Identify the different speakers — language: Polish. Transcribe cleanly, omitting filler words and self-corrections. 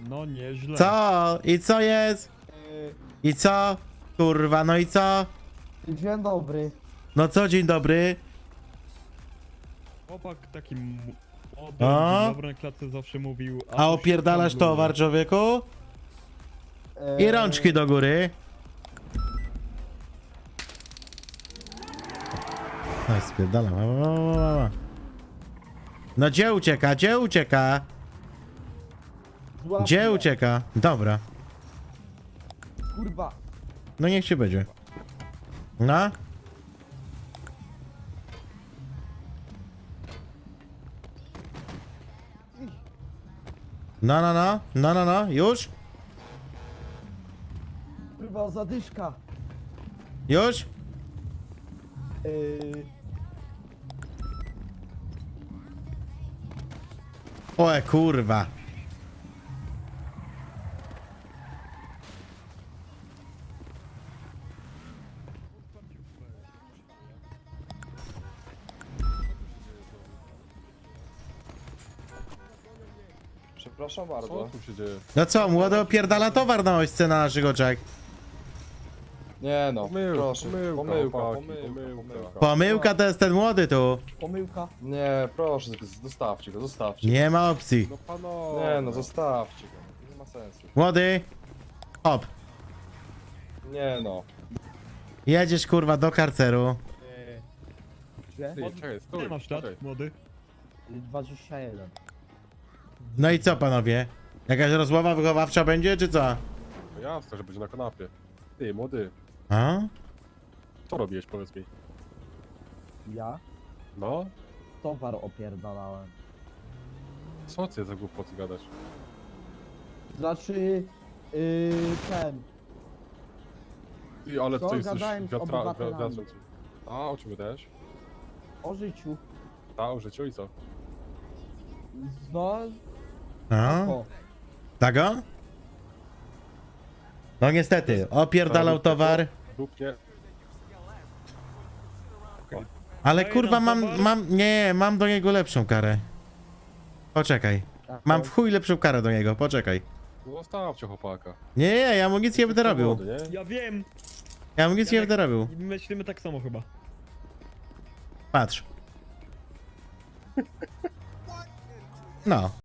Speaker 1: No nieźle.
Speaker 2: Co? I co jest? I co? Kurwa, no i co?
Speaker 3: Dzień dobry.
Speaker 2: No co, dzień dobry?
Speaker 1: Chłopak taki młody,
Speaker 2: A?
Speaker 1: dzień dobry na klatce zawsze mówił.
Speaker 2: A opierdalasz towar, człowieku? I rączki do góry. No spierdalam. No gdzie ucieka? Gdzie ucieka?
Speaker 3: Złap
Speaker 2: Gdzie
Speaker 3: mnie.
Speaker 2: ucieka? Dobra.
Speaker 3: Kurwa.
Speaker 2: No niech się będzie. No? No, no, no. No, no, no. Już?
Speaker 3: Kurwa, zadyszka.
Speaker 2: Już? Oe, kurwa.
Speaker 4: Przepraszam
Speaker 5: Co
Speaker 4: bardzo.
Speaker 5: tu się dzieje?
Speaker 2: No co, młody opierdala towar na ośce na naszych oczach.
Speaker 4: Nie no,
Speaker 5: Pomyłka,
Speaker 4: proszę.
Speaker 5: pomyłka, chłopaki,
Speaker 4: pomyłka.
Speaker 2: Pomyłka to jest ten młody tu.
Speaker 3: Pomyłka.
Speaker 4: Nie, proszę, zostawcie go, zostawcie go.
Speaker 2: Nie ma opcji.
Speaker 5: No panowie.
Speaker 4: Nie no, zostawcie go. Nie ma sensu.
Speaker 2: Młody. Hop.
Speaker 4: Nie no.
Speaker 2: Jedziesz kurwa do karceru.
Speaker 3: Gdzie?
Speaker 5: Ty, czekaj, stój,
Speaker 1: Nie masz lat,
Speaker 5: czekaj.
Speaker 1: młody.
Speaker 3: 21.
Speaker 2: No i co panowie? Jakaś rozmowa wychowawcza będzie, czy co?
Speaker 5: No jasne, że będzie na kanapie. Ty, młody,
Speaker 2: A?
Speaker 5: co robiłeś, powiedz mi?
Speaker 3: Ja
Speaker 5: No?
Speaker 3: towar opierdalałem.
Speaker 5: Co ty za głupoty gadasz?
Speaker 3: Znaczy... ten...
Speaker 5: Ty, ale
Speaker 3: Co?
Speaker 5: ty jesteś
Speaker 3: Gadałem z obywatelami.
Speaker 5: A, o czym też?
Speaker 3: O życiu.
Speaker 5: A, o życiu i co?
Speaker 3: No...
Speaker 2: A?
Speaker 3: O.
Speaker 2: Tego? No niestety, opierdalał towar.
Speaker 5: Dupnie.
Speaker 2: Ale
Speaker 1: Daję
Speaker 2: kurwa
Speaker 1: nam towar?
Speaker 2: mam do niego lepszą karę. Poczekaj. Mam w chuj lepszą karę do niego, poczekaj.
Speaker 5: No zostawcie chłopaka.
Speaker 2: Nie, ja mu nic nie będę robił.
Speaker 5: Młody, nie?
Speaker 1: Ja wiem.
Speaker 2: Ja mu nic nie będę robił.
Speaker 1: Myślimy tak samo chyba.
Speaker 2: Patrz. No.